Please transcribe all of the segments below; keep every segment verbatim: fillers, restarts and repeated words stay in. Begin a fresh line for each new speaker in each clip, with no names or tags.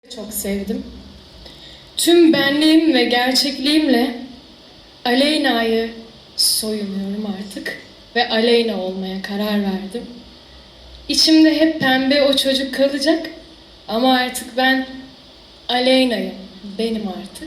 Çok sevdim. Tüm benliğim ve gerçekliğimle Aleyna'yı soyunuyorum artık ve Aleyna olmaya karar verdim. İçimde hep pembe o çocuk kalacak ama artık ben Aleyna'yım, benim artık.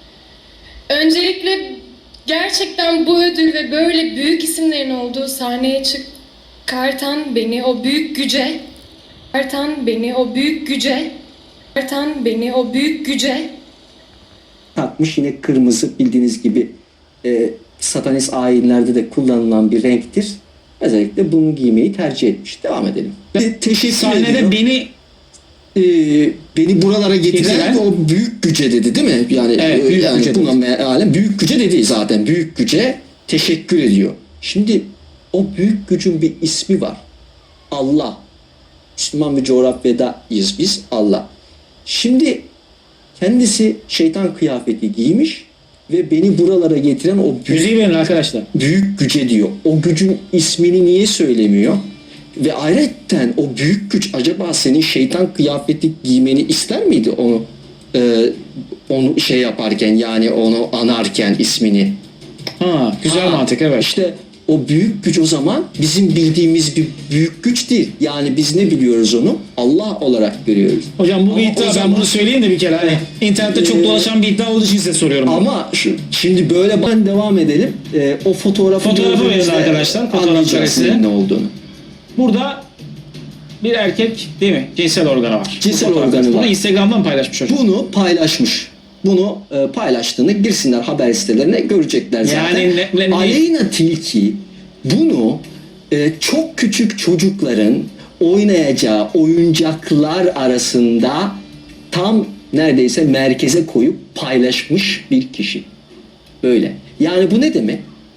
Öncelikle gerçekten bu ödül ve böyle büyük isimlerin olduğu sahneye çıkartan beni o büyük güce, çıkartan beni o büyük güce, çıkartan beni o büyük güce
takmış. Yine kırmızı bildiğiniz gibi e, satanist ayinlerde de kullanılan bir renktir. Özellikle bunu giymeyi tercih etmiş. Devam edelim.
Te teşekkür Sahnede ediyorum. beni
e, beni buralara getiren,
getiren
o büyük güce dedi değil mi? Yani,
evet, büyük
yani
güce
buna mealen büyük güce dedi zaten. Büyük güce teşekkür ediyor. Şimdi o büyük gücün bir ismi var. Allah. Müslüman bir coğrafyadayız biz. Allah. Şimdi kendisi şeytan kıyafeti giymiş ve beni buralara getiren o büyük,
müziği verin arkadaşlar.
Büyük güce diyor. O gücün ismini niye söylemiyor? Ve ayrıca o büyük güç acaba senin şeytan kıyafeti giymeni ister miydi onu e, onu şey yaparken, yani onu anarken ismini?
Ha, güzel ha, mantık, evet.
İşte o büyük güç o zaman bizim bildiğimiz bir büyük güç değil. Yani biz ne biliyoruz onu? Allah olarak görüyoruz.
Hocam bu bir
Ama
iddia, ben
zaman,
bunu söyleyeyim de bir kere. Hani internette çok dolaşan bir iddia olduğu için size soruyorum.
Ama şu, şimdi böyle ben devam edelim. Ee, o fotoğrafı,
fotoğrafı verin arkadaşlar. Fotoğraf karesi.
Ne olduğunu.
Burada bir erkek değil mi? Cinsel organı var.
Cinsel organı var.
Bunu Instagram'dan paylaşmış hocam.
Bunu paylaşmış. Bunu e, paylaştığını girsinler haber sitelerine görecekler zaten.
Yani ne, ne,
Aleyna Tilki bunu e, çok küçük çocukların oynayacağı oyuncaklar arasında tam neredeyse merkeze koyup paylaşmış bir kişi. Böyle. Yani bu ne demek?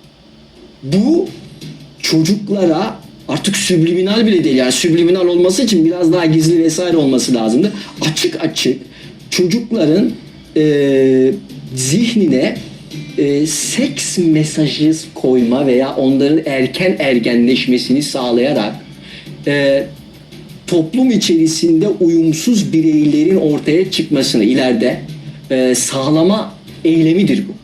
Bu çocuklara artık subliminal bile değil. Yani subliminal olması için biraz daha gizli vesaire olması lazımdı. Açık açık çocukların e, zihnine e, seks mesajı koyma veya onların erken ergenleşmesini sağlayarak e, toplum içerisinde uyumsuz bireylerin ortaya çıkmasını ileride e, sağlama eylemidir bu.